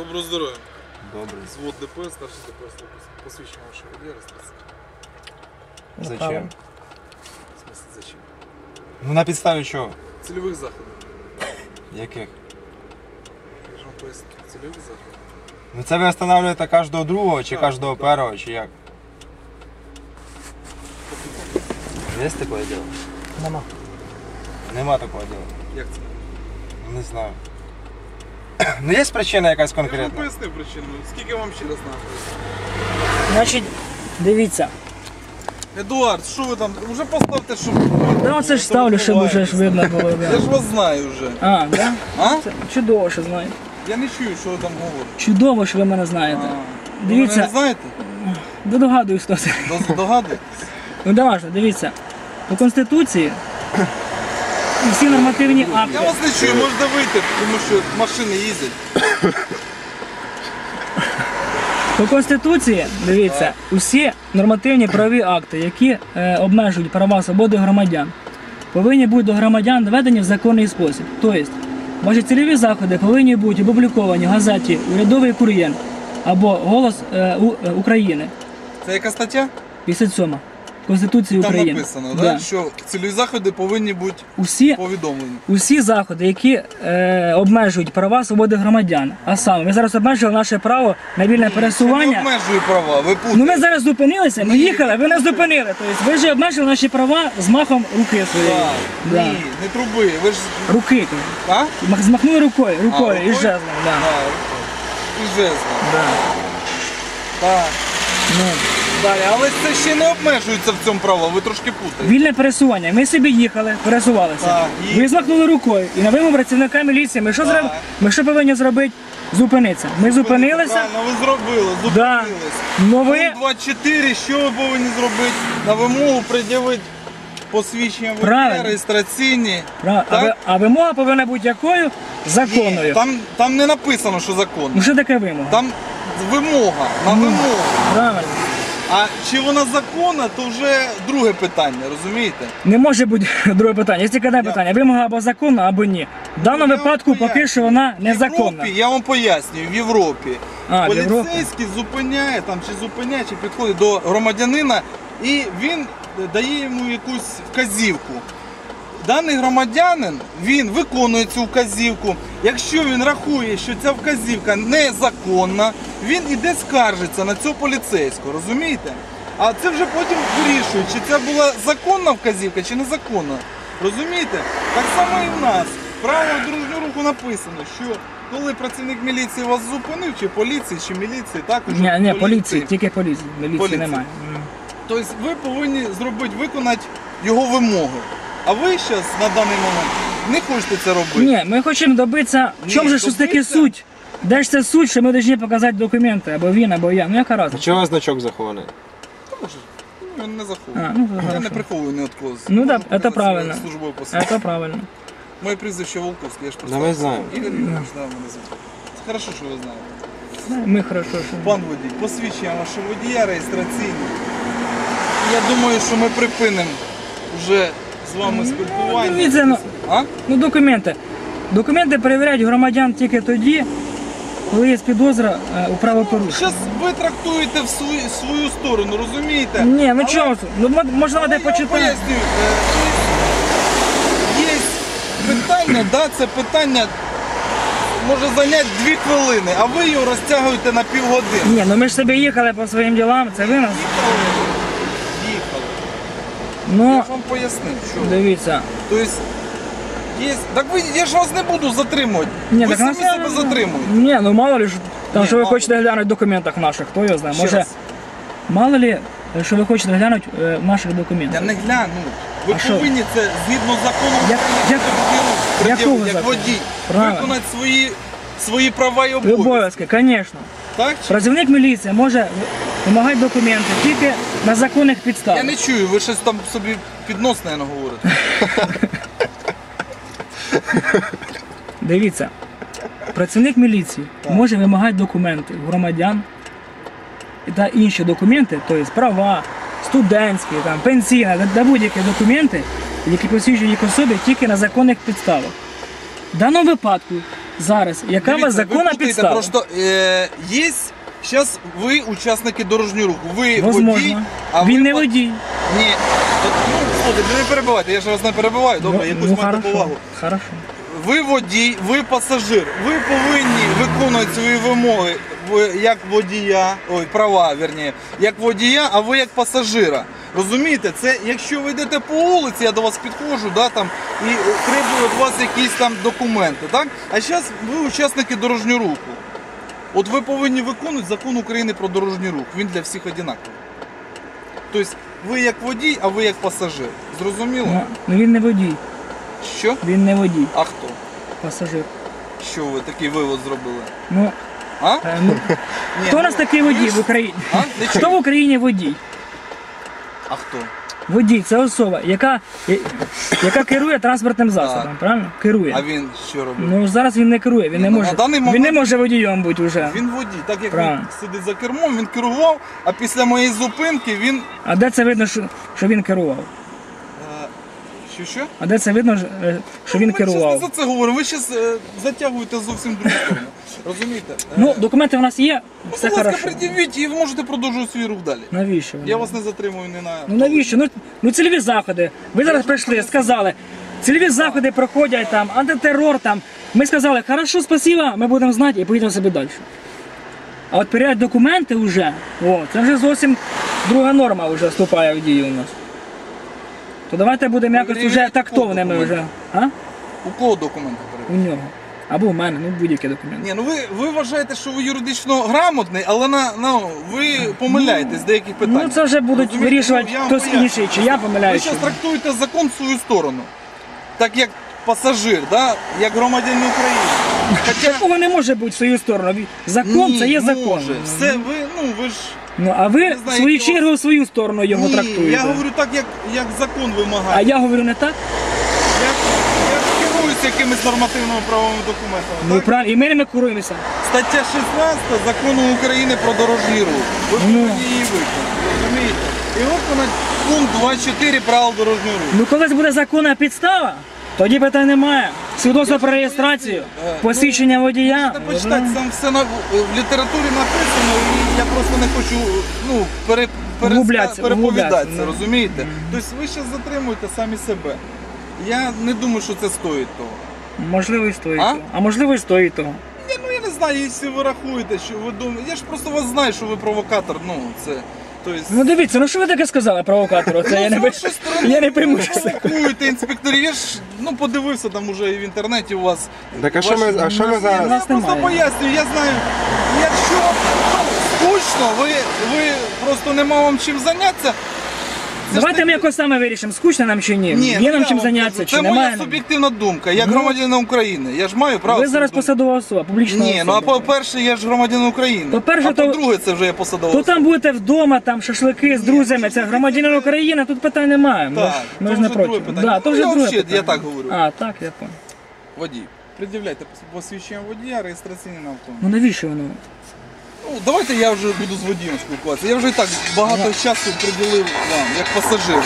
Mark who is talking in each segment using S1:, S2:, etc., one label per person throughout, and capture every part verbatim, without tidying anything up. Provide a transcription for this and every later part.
S1: Доброго здоров'я.
S2: Добре.
S1: Звод ДПС, старший ДПС, посвідчення вашого водія, реєстрація.
S2: Зачем?
S1: В смысле, зачем?
S2: Ну на підставі чого?
S1: Цільових заходів.
S2: Яких?
S1: Я ж вам поясню. Цільових заходів.
S2: Ну це ви встановлюєте кожного другого чи
S1: Так,
S2: кожного
S1: так.
S2: першого, чи як? Є таке діло?
S3: Нема.
S2: Нема такого діла.
S1: Як це?
S2: Не знаю. Ну є причина якась
S1: Я ж вам
S2: конкретна?
S1: пояснив причину. Скільки вам ще раз треба?
S3: Значить, дивіться.
S1: Едуард, що ви там? Уже поставте, щоб...
S3: Ну це ж ставлю, щоб вже ж видно було.
S1: Я
S3: Да.
S1: ж вас знаю вже.
S3: А, да?
S1: А?
S3: Це чудово, що знаєте.
S1: Я не чую, що ви там говорите.
S3: Чудово, що ви мене знаєте.
S1: А, Ви
S3: Дивіться.
S1: мене не знаєте?
S3: Да догадуюсь, хто це.
S1: До- Догадуєтесь?
S3: Ну давай, дивіться. По Конституції і всі нормативні
S1: Я
S3: акти.
S1: вас не чую, можете вийти, тому що машини їздять.
S3: По Конституції, дивіться, усі нормативні правові акти, які е, обмежують права свободи громадян, повинні бути до громадян доведені в законний спосіб. Тобто, ваші цільові заходи повинні бути опубліковані в газеті «Урядовий кур'єр» або «Голос е, У- е, України»
S1: Це яка стаття?
S3: п'ятдесят сьома Конституції
S1: Там
S3: України.
S1: написано,
S3: Да.
S1: да? що цільові заходи повинні бути
S3: Усі
S1: повідомлені.
S3: Усі заходи, які е, обмежують права свободи громадян, а саме, ми зараз обмежили наше право на вільне
S1: Це не
S3: пересування.
S1: обмежує права, ви путаєте.
S3: Ну ми зараз зупинилися, ми
S1: Ні.
S3: їхали, ви нас зупинили. Тобто ви ж обмежили наші права з махом руки своєї.
S1: Так,
S3: Да.
S1: Ні, не труби, ви ж...
S3: Руки.
S1: А?
S3: Мах- Змахнули рукою, рукою
S1: А,
S3: і
S1: рукою?
S3: жезлом. Да.
S1: Да, і жезлом.
S3: Да.
S1: Так.
S3: Ну.
S1: Далі, але це ще не обмежується в цьому право, ви трошки путаєте.
S3: Вільне пересування. Ми собі їхали, пересувалися.
S1: Так, і-
S3: Ви змахнули рукою. І на вимогу працівника міліції. Ми що,
S1: Так.
S3: зроб... ми що повинні зробити? Зупинитися. Ми зупинилися.
S1: Правильно, ви зробили,
S3: Да.
S1: зупинились.
S3: Ну ви
S1: двадцять чотири, що ви повинні зробити? На вимогу пред'явити посвідчення водія,
S3: Правильно.
S1: реєстраційні.
S3: Прав- а,
S1: Так?
S3: ви- а вимога повинна бути якою? Законною.
S1: Ні, там, там не написано, що законно.
S3: Ну що таке вимога?
S1: Там вимога, на вимогу.
S3: Правильно.
S1: А чи вона законна, то вже друге питання, розумієте?
S3: Не може бути друге питання. Є тільки одне питання. Вимога або законна, або ні. В даному
S1: Я вам
S3: випадку поки
S1: поясню.
S3: що вона
S1: В
S3: незаконна.
S1: Європі, я вам пояснюю, в Європі
S3: А, в Європі.
S1: поліцейський зупиняє там, чи зупиняє, чи підходить до громадянина і він дає йому якусь вказівку. Даний громадянин, він виконує цю вказівку. Якщо він рахує, що ця вказівка незаконна, він іде скаржиться на цього поліцейського, розумієте? А це вже потім вирішують, чи це була законна вказівка, чи незаконна. Розумієте? Так само і в нас. Право дорожнього руху написано, що коли працівник міліції вас зупинив, чи поліції, чи міліції, також
S3: Ні, ні, поліції, тільки поліції. Міліції
S1: Поліції.
S3: немає. М.
S1: Тобто ви повинні зробити, виконати його вимоги. А ви зараз на даний момент не хочете це робити.
S3: Ні, ми хочемо добитися, в
S1: Ні,
S3: чому же щось таке
S1: добитися-
S3: суть? Де ж це суть, що ми повинні показати документи, або він, або я. Ну яка
S2: А
S3: разниця?
S2: чого значок захований?
S1: Тому що, ну, не
S3: А,
S1: заховую.
S3: ну,
S1: Я не
S3: хорошо.
S1: приховую ні від когось.
S3: Ну
S1: Можу
S3: да,
S1: показати
S3: це правильно.
S1: своє службове посвідчення.
S3: Це правильно.
S1: Моє прізвище Волковське, я ж
S2: Да
S1: просто.
S2: ми знаємо.
S1: Ігор Ігорович, да, мене звуть. Це хорошо, що ви знаєте.
S3: Ми хорошо, що.
S1: Пан водій, посвідчення вашого водія реєстраційне. Я думаю, що ми припинимо вже з вами спілкування.
S3: дивіться, ну-
S1: А?
S3: Ну документи. Документи перевіряють громадян тільки тоді, коли є підозра е, у правопорушенні.
S1: Зараз ви трактуєте в свою, свою сторону, розумієте?
S3: Ні, ну
S1: Але-
S3: чого? тут? Ну мо- можна
S1: Але
S3: де
S1: я вам
S3: почитати.
S1: пояснюю, е, є питання, да, це питання може зайняти дві хвилини, а ви його розтягуєте на півгодини.
S3: Ні, ну ми ж собі їхали по своїм ділам, це ви нас.
S1: Їхали, їхали. Я
S3: Ну,
S1: ж вам пояснив, що.
S3: дивіться.
S1: Тобто, є... Так ви, я ж вас не буду затримувати.
S3: Ні,
S1: ви
S3: так
S1: самі
S3: нас-
S1: себе затримуєте.
S3: Ні, ну мало ли, що- там,
S1: Ні,
S3: що ви
S1: мало.
S3: хочете глянути в документах наших, хто його знає.
S1: Ще
S3: Може,
S1: раз.
S3: мало ли, що ви хочете глянути е, в наших
S1: Я
S3: документах.
S1: не гляну. Ви
S3: А що?
S1: повинні це згідно закону
S3: Як-
S1: України,
S3: як-
S1: пред'явити,
S3: якого
S1: як
S3: закону?
S1: водій,
S3: Правильно.
S1: виконати свої, свої права і
S3: І
S1: обов'язки.
S3: обов'язки, звісно.
S1: Так? чи-
S3: Працівник міліції може вимагати документи тільки на законних підставах.
S1: Я не чую, ви щось там собі підносне говорите.
S3: Дивіться, працівник міліції може вимагати документи у громадян та інші документи, тобто права, студентські, там, пенсійні, та- та будь-які документи, які посвідчують їх особи тільки на законних підставах. В даному випадку зараз, яка у
S1: Дивіться,
S3: вас
S1: ви
S3: законна
S1: путаєте,
S3: підстава?
S1: Просто е, є, зараз ви учасники дорожнього руху, ви водій,
S3: Возможно.
S1: а
S3: Він
S1: ви...
S3: не
S1: по-
S3: водій.
S1: Ні, от, ну, слухайте, не перебивайте, я ж вас не перебиваю, добре,
S3: Ну,
S1: якусь
S3: ну,
S1: майте
S3: хорошо,
S1: повагу.
S3: хорошо.
S1: Ви водій, ви пасажир. Ви повинні виконувати свої вимоги ви як водія, ой, права, вірні, як водія, а ви як пасажира. Розумієте, це якщо ви йдете по вулиці, я до вас підходжу, да, там, і требую від вас якісь там документи. Так? А зараз ви учасники дорожнього руху. От ви повинні виконувати закон України про дорожній рух. Він для всіх однаковий. Тобто ви як водій, а ви як пасажир. Зрозуміло?
S3: Ну, ну він не водій.
S1: Що?
S3: Він не водій,
S1: А хто?
S3: пасажир.
S1: Що ви такий вивод зробили?
S3: Ну,
S1: А?
S3: е, ну,
S1: Ні,
S3: хто у
S1: ну,
S3: нас такий водій
S1: ви ж-
S3: в Україні?
S1: А? Не
S3: Хто
S1: чую.
S3: в Україні водій?
S1: А хто?
S3: Водій це особа, яка, я- яка керує транспортним засобом,
S1: Так.
S3: правильно? Керує.
S1: А він що робить?
S3: Ну зараз він не керує, він
S1: Ні,
S3: не
S1: ну,
S3: може.
S1: на даний
S3: Він не
S1: момент-
S3: може водієм бути вже.
S1: Він водій, так як
S3: Правильно.
S1: він сидить за кермом, він керував, а після моєї зупинки він.
S3: А де це видно, що, що він керував?
S1: Е, Що що?
S3: А де це видно, е, що він
S1: Ми щас не
S3: керував?
S1: за це говоримо, ви зараз затягуєте зовсім другу сторону. Розумієте? Е,
S3: Ну, документи в нас є, все
S1: будь ласка,
S3: хорошо.
S1: пред'явіть і ви можете продовжувати свій рух далі.
S3: Навіщо?
S1: Я вас не затримую не на.
S3: Ну навіщо? Ну, ну цільові заходи. Ви зараз прийшли, сказали, цільові заходи проходять там, антитерор там. Ми сказали, хорошо, спасибо, ми будемо знати і поїдемо собі далі. А от перевіряти документи вже, о, це вже зовсім друга норма вже вступає в дію у нас. То давайте будемо якось
S1: Перевіряти
S3: вже тактовними
S1: документи.
S3: вже. А?
S1: У кого документи
S3: У
S1: перевіряють?
S3: нього. Або в мене, ну будь-які документи.
S1: Ні, ну ви, ви вважаєте, що ви юридично грамотний, але на, ну, ви помиляєтесь в деяких питаннях.
S3: Ну це вже будуть
S1: Розумієте?
S3: вирішувати
S1: Ну, я вам
S3: хтось
S1: поясню.
S3: інший, чи я
S1: Ви
S3: помиляюся.
S1: зараз трактуєте закон в свою сторону. Так як пасажир, да? Як громадянин України. Хоча
S3: Такого не може бути в свою сторону. Закон
S1: ні,
S3: це є закон.
S1: може. Все, ви, ну ви ж.
S3: Ну а ви
S1: Не
S3: в
S1: знаю,
S3: свою
S1: якого-
S3: чергу в свою сторону його
S1: Ні,
S3: трактуєте.
S1: я говорю так, як, як закон вимагає.
S3: А я говорю не так?
S1: Я, я ж керуюся якимись нормативними правовими документами.
S3: Ну
S1: так?
S3: правильно, і ми не керуємося.
S1: Стаття шістнадцята закону України про дорожній рух. Ви
S3: Ну.
S1: повинні її виконати. Розумієте? І виконати пункт двадцять чотири правил дорожнього руху.
S3: Ну коли буде законна підстава, тоді питань немає. Свідоцтво про реєстрацію,
S1: Е,
S3: посвідчення водія.
S1: Можете почитати, там все на, в літературі написано, і я просто не хочу ну, пере, переска-
S3: Углубляться,
S1: переповідатися,
S3: углубляться,
S1: розумієте? Тобто ви зараз затримуєте самі себе. Я не думаю, що це стоїть того.
S3: Можливо, і стоїть
S1: А?
S3: того. А можливо, і стоїть того.
S1: Ні, ну я не знаю, якщо ви рахуєте, що ви думаєте. Я ж просто вас знаю, що ви провокатор, ну це. Тобто,
S3: Ну дивіться, ну що ви таке сказали провокатору? Це я не
S1: з
S3: би-
S1: вашої сторони
S3: я не прийму.
S1: ви
S3: що це.
S1: провокуєте інспекторів. Я ж ну, подивився там уже і в інтернеті у вас.
S2: Так а що ми, а що ми
S1: Я
S2: зараз?
S3: нас
S1: просто
S3: немає.
S1: пояснюю, я знаю, якщо ну, скучно, ви, ви просто нема вам чим зайнятися. це ж
S3: Давайте
S1: таки-
S3: ми якось саме вирішимо, скучно нам чи ні.
S1: Ні,
S3: Є
S1: ну,
S3: нам
S1: я
S3: чим
S1: вам
S3: зайнятися,
S1: кажу,
S3: чи
S1: це
S3: немає.
S1: моя
S3: нам?
S1: суб'єктивна думка, як
S3: Ну,
S1: громадянина України. Я ж маю право.
S3: Ви зараз
S1: свою
S3: посадова особа, публічна
S1: думку. Ні, ну а
S3: особа.
S1: по-перше, я ж громадянин України.
S3: По-перше,
S1: а
S3: то-
S1: по-друге, це вже я посадова
S3: То
S1: особа.
S3: там будете вдома, там шашлики з друзями, це громадянин України, тут питань немає. Ми ж-
S1: Так,
S3: ми
S1: то
S3: ж не
S1: вже друге
S3: проти.
S1: питання.
S3: Да, то
S1: Ну,
S3: вже
S1: я
S3: друге
S1: взагалі,
S3: питання.
S1: я так говорю.
S3: А, так, я понял.
S1: Водій, пред'являйте посвідчення водія, реєстраційний на автомобіль.
S3: Ну навіщо воно?
S1: Ну, давайте я вже буду з водієм спілкуватися. Я вже і так багато часу приділив вам, як пасажиру.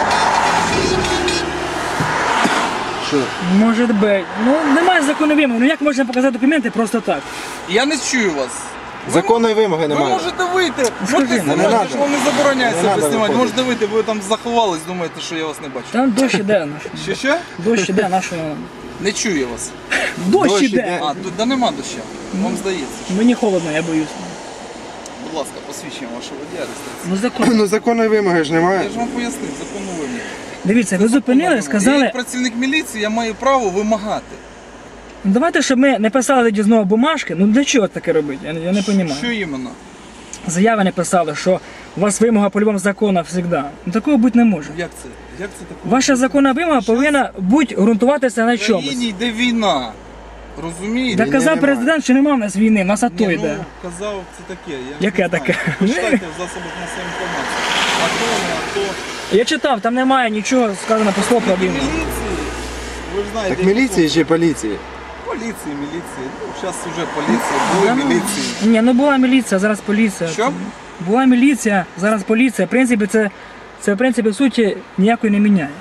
S2: Що?
S3: Може бути. Ну немає закону вимог. Ну як можна показати документи просто так?
S1: Я не чую вас.
S2: Законної вимоги
S1: Ви
S2: немає.
S1: можете вийти,
S3: Скажи,
S1: можете
S3: не
S1: знімати,
S2: надо.
S1: що вам не забороняється
S2: Не надо
S1: себе знімати.
S2: виходити.
S1: Можете вийти, ви там заховались, думаєте, що я вас не бачу.
S3: Там дощ іде наш.
S1: Що що?
S3: Дощ іде нашого.
S1: Не чую я вас.
S3: Дощ
S2: Дощ
S3: іде!
S2: іде.
S1: А, тут да нема доща. Вам здається.
S3: Мені холодно, я боюсь.
S1: Будь ласка, посвідчення вашого водія, реєстрацію.
S3: Ну закон.
S2: Ну законної вимоги ж
S1: Я
S2: немає.
S1: ж вам пояснив, законну вимогу.
S3: Дивіться, ви зупинили,
S1: Я
S3: сказали.
S1: як працівник міліції, я маю право вимагати.
S3: Ну давайте, щоб ми не писали тоді знову бумажки. Ну для чого таке робити? Я, я не розумію.
S1: Що іменно?
S3: Заяви не писали, що у вас вимога по-любому закону завжди. Ну такого бути не може.
S1: Як це? Як це таке?
S3: Ваша законна вимога повинна бути ґрунтуватися на
S1: В
S3: чомусь.
S1: країні йде війна. Розумієте?
S3: Так казав
S2: немає.
S3: президент, що нема в нас війни, в нас АТО
S1: Ні,
S3: йде.
S1: ну, казав, це таке. Я
S3: Яке
S1: не знаю.
S3: таке?
S1: Почитайте в засобах масової інформації. А то, не а то.
S3: Я читав, там немає нічого сказано по слову про
S1: І
S3: війну.
S1: міліції, ви ж знаєте.
S2: Так міліції чи поліції?
S1: Поліції, міліції. Ну, зараз вже поліція, були
S3: Да ну,
S1: міліції.
S3: Ні, ну була міліція, зараз поліція.
S1: Що?
S3: Була міліція, зараз поліція. В принципі, це, це в принципі в суті ніякої не міняє.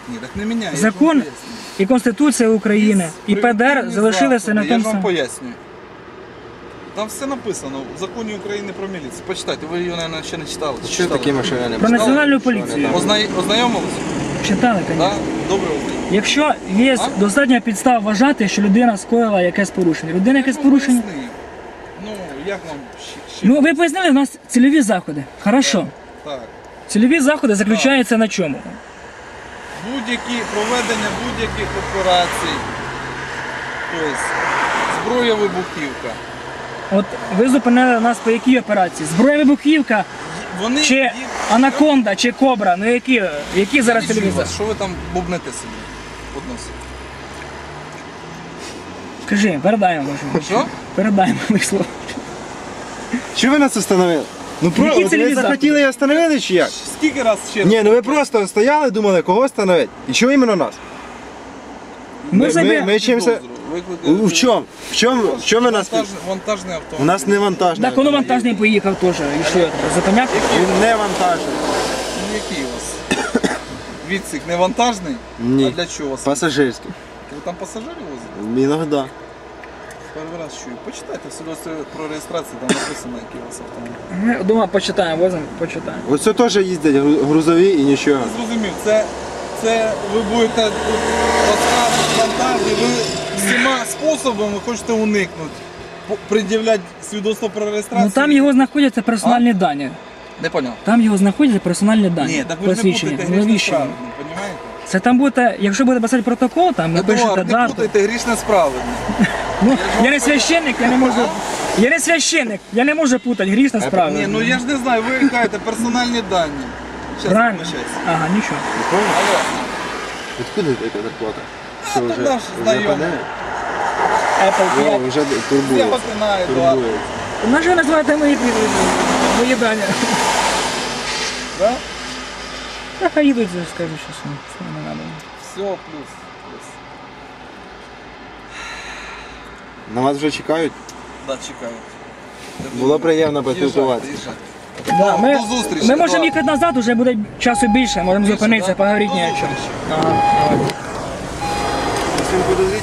S1: Ні, так не міняє. я ж вам
S3: Закон
S1: пояснюю.
S3: і Конституція України, і Пе Де Ер залишилися на
S1: Я
S3: тому
S1: ж вам
S3: самому.
S1: пояснюю. Там все написано в законі України про міліцію. Почитайте, ви його, мабуть, ще не читали. Чи
S2: Що
S1: читали?
S2: такі машини не
S3: Про національну поліцію.
S1: Озна... Ознайомились?
S3: Читали,
S1: Так?
S3: звісно.
S1: Добре ознайомились.
S3: Якщо є
S1: А?
S3: достатня підстава вважати, що людина скоїла якесь порушення. Людина якесь
S1: Ну,
S3: порушення.
S1: поясни. Ну, як вам ще? ще-
S3: Ну, ви пояснили, у нас цільові заходи. Хорошо.
S1: Так.
S3: Цільові заходи заключаються на чому?
S1: Будь-які проведення будь-яких операцій. Тобто, зброя вибухівка.
S3: От ви зупинили нас по якій операції? Зброя вибухівка,
S1: Вони
S3: чи
S1: їх-
S3: анаконда, чи кобра? Ну які, які зараз
S1: Я не чую
S3: цільові
S1: вас.
S3: заходи?
S1: Що ви там бубнете собі? Односите.
S3: Кажи, передаємо може.
S1: Що?
S3: Передаємо їх слово.
S2: Що ви нас остановили? Ну про
S3: Які
S2: от
S3: цільові
S2: ви захотіли і остановили чи як?
S1: Скільки раз ще раз?
S2: Ні, ну ви просто стояли, думали, кого остановити. І чого іменно нас?
S3: Ми,
S2: ми-
S3: забі-
S2: ми- чимся-
S1: Викликали-
S2: У в чому? В чому? В чому ви нас?
S1: Вантажне, вантажне авто.
S2: У нас не вантажний.
S3: Так, воно вантажний поїхав теж. І що, зупиняти?
S2: Він не вантажний.
S1: Ну, який у вас? Відсік не вантажний?
S2: Ні.
S1: А для чого у вас?
S2: Пасажирський.
S1: Ви там пасажирів возите?
S2: Іногда.
S1: Перший раз чую. Почитайте свідоцтво про реєстрацію, там написано, який у вас автомобіль.
S3: Ми дома почитаємо, возимо, почитаємо.
S2: Ось це теж їздять гру- грузові і нічого.
S1: Я зрозумів, це, це ви будете тут розказувати фантазії, ви всіма способами хочете уникнути. По- Пред'являти свідоцтво про реєстрацію.
S3: Ну там його знаходяться персональні дані.
S1: Не поняв.
S3: Там його знаходяться персональні дані.
S1: Ні, так ви ж не
S3: посвідчення.
S1: путайте
S3: Ну,
S1: грішне
S3: навіщо?
S1: з праведним, розумієте?
S3: Це там буде, якщо буде писати протокол, там напишете
S1: Едуард, не
S3: дату.
S1: путайте грішне з праведним.
S3: Ну, я не священник, я не можу. Я не священник, я не можу путати грішне з
S1: Ні,
S3: правильним.
S1: ну я ж не знаю, ви кажете персональні дані. Щас,
S3: Правильно.
S1: вибачаюсь.
S3: Ага, нічого.
S1: Алло.
S2: Відкуди така зарплата?
S1: А, то наш знайомий.
S3: Apple
S2: О,
S3: п'ять.
S2: вже
S1: Я
S2: турбує.
S1: вас знаю, Едуард.
S2: Турбує.
S3: На що ви називаєте мої прізвища? Мої дані?
S1: Да?
S3: Та хай їдуть, скажу, що все, все не треба.
S1: Все, плюс. плюс.
S2: На вас вже чекають?
S1: Да, чекаю. Я
S2: Було
S1: думаю,
S2: приємно
S1: їжджайте,
S2: поспілкуватися.
S1: їжджайте.
S3: Да, ми,
S1: До зустрічі,
S3: ми можемо
S1: Едуард.
S3: їхати назад, вже буде часу більше, можемо
S1: Більше,
S3: зупинитися,
S1: да?
S3: поговорити
S1: До
S3: ні о чому.
S1: зустрічі.
S3: Ага, давай.
S2: Всім подозріть.